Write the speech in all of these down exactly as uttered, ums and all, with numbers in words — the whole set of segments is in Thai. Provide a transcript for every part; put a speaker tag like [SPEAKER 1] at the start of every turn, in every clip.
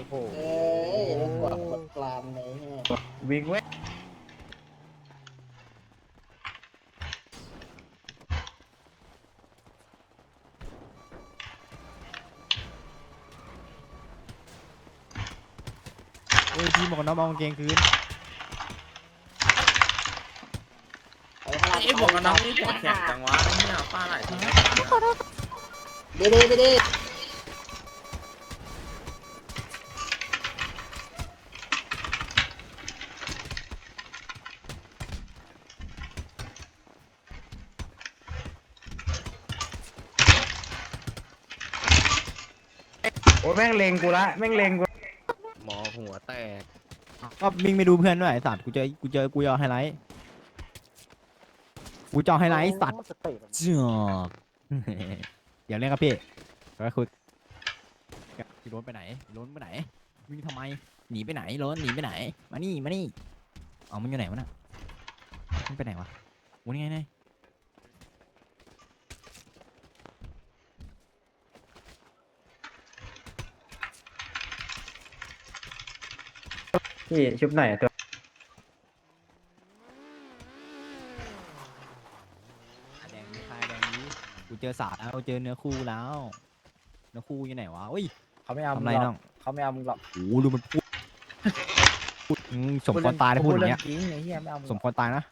[SPEAKER 1] โห
[SPEAKER 2] เอ้ยแล้วกว่าบทกลางเลยใช่ไหม
[SPEAKER 1] วิ่งเว้ย
[SPEAKER 3] เอ้ยพี่หมวกกันน็อกเอากางเกงคืน
[SPEAKER 4] ไอ้หมวกกันน็อกนี่หัวแข็งจังวะเนี่ยป้าไหลทีไม่ตาย
[SPEAKER 2] ดีดีดีดี
[SPEAKER 1] โอ้ยแม่งเลงกูละแม่งเลงกู
[SPEAKER 4] หมอหัวแตก
[SPEAKER 3] ก็วิ่งไปดูเพื่อนด้วยไอ้สัตว์กูเจอกูเจอกูจะเอาไฮไลท์กูจะเอาไฮไลท์ไอ้สัตว์เจ้า อย่าเล่นครับพี่ไปคุยพี่โรนไปไหนโรนไปไหนวิ่งทำไมหนีไปไหนโรนหนีไปไหนมานี่มานี่เอามันอยู่ไหนวะน่ะมันไปไหนวะวันนี้ไงไง
[SPEAKER 1] พี่ชุบไหนอะตัว
[SPEAKER 3] แดงนี้คายแดงนี้กูเจอสาดแล้วเจอเนื้อคู่แล้วเนื้อคู่อยู่ไหนวะอุ้ย
[SPEAKER 1] เขาไม่เอา
[SPEAKER 3] ทำ
[SPEAKER 1] มึง
[SPEAKER 3] ไร
[SPEAKER 1] หร
[SPEAKER 3] น้
[SPEAKER 1] อ
[SPEAKER 3] อก ง
[SPEAKER 1] เขาไม่เอามึงหรอก
[SPEAKER 3] โอ้โหดูมันพูดพูดอืมสมควรตายนะพูดอย่างเงี้ย
[SPEAKER 1] จริงไอ้เหี้ยไม่เอามึง
[SPEAKER 3] สมควรตายนะ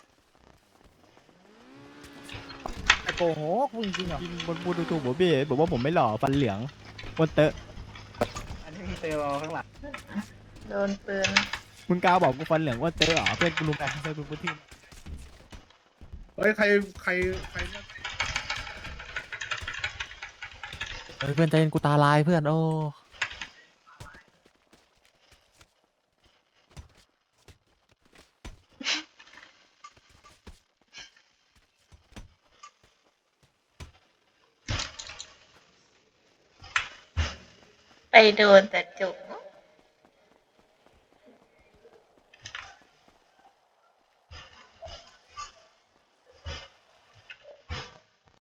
[SPEAKER 1] ไอ้โกหกพูดจริงเหรอ
[SPEAKER 3] จริงบนพูดถูกๆบอกพี่บอกว่าผมไม่หล่อฟันเหลืองบนเตอะ
[SPEAKER 1] อันนี้มึงเจอเราข้างหลัง
[SPEAKER 5] โดนปืน
[SPEAKER 3] มึงกล้าบอกกูฟันเหลืองว่าเตอะเหรอเพื่อนกูรู้กันเพื่อนกูพูดที่
[SPEAKER 6] เฮ้ยใครใครใครนั่น
[SPEAKER 7] เฮ้ยเพื่อนใจเย็นกูตาลายเพื่อนโอ้
[SPEAKER 5] ไปโดนแต่จุก